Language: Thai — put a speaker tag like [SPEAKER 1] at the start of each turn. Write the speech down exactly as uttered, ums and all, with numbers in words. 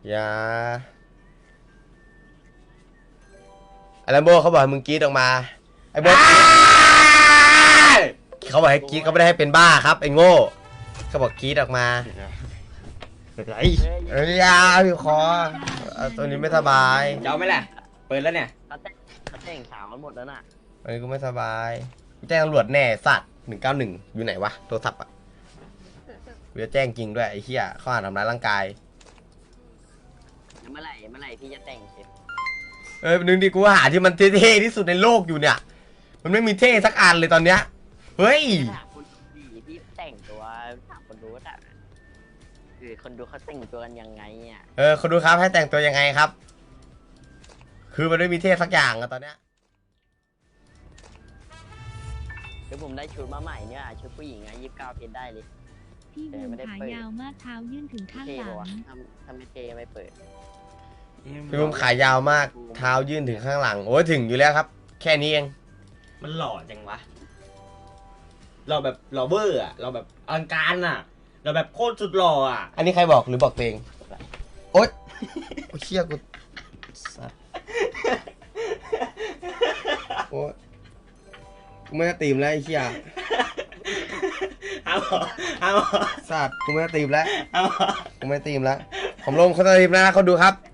[SPEAKER 1] อย่าไอ้ลัมโบเขาบอกให้มึงกรีดออกมาไอ้โบเขาบอกให้กรีดเขาไม่ได้ให้เป็นบ้าครับไอ้โง่เขาบอกกรีดออกมา
[SPEAKER 2] เป็นไร
[SPEAKER 1] เอ้ยยาพี่คอตัวนี้ไม่สบาย
[SPEAKER 2] เจ้าไหมล่ะเปิดแล้วเนี่ย
[SPEAKER 3] เขาแต่งเขาแต่งสาวกันหมดแล้วน่ะ
[SPEAKER 1] อันนี้กูไม่สบายแจ้งตำรวจแน่สัตว์หนึ่งเก้าหนึ่งอยู่ไหนวะโทรศัพท์อ่ะกูจะแจ้งจริงด้วยไอ้เหี้ยข้อหาทำร้ายร่างกาย
[SPEAKER 3] เมื่อไหร่เมื่อไหร่พี่จะแต่งเสร็จ
[SPEAKER 1] เออนึงดิกูหาที่มันเท่ๆที่สุดในโลกอยู่เนี่ยมันไม่มีเท่สักอันเลยตอนเนี้ยเฮ้ย
[SPEAKER 3] ถามคนดูพี่แต่งตัวถามคนดูว่าแต่คือคนดูเขาแต่งตัวกันยังไงอ่ะ
[SPEAKER 1] เออคนดูครับให้แต่งตัวยังไงครับคือมันไม่มีเท่สักอย่างอะตอนเนี้ย
[SPEAKER 3] เดี๋ยวผมได้ชุดมาใหม่เนี่ยชุดผู้หญิงอะยี่สิบเก้าเพชรได้เลย
[SPEAKER 4] พี่บูมขายาวมากเท้ายื่นถึงข้างหลัง
[SPEAKER 3] ทำทำไม่เทไม่เปิด
[SPEAKER 1] พี่บุ้มขายาวมากเท้ายื่นถึงข้างหลังโอ้ยถึงอยู่แล้วครับแค่นี้เอง
[SPEAKER 2] มันหล่อจังวะเราแบบหล่อเบอร์อะเราแบบอลังการอะเราแบบโคตรสุดหล่ออะ
[SPEAKER 1] อันนี้ใครบอกหรือบอกตัวเองโอ๊ยโอ้เชี่ยกูสัตว์โอ๊ยกูไม่ได้ตีมแล้วไอ้เชี่ย
[SPEAKER 2] เอาเอา
[SPEAKER 1] สัตว์กูไม่ได้ตีมแล้วกูไม่ได้ตีมแล้วผมลงเขาจะตีมแล้วนะเขาดูครับ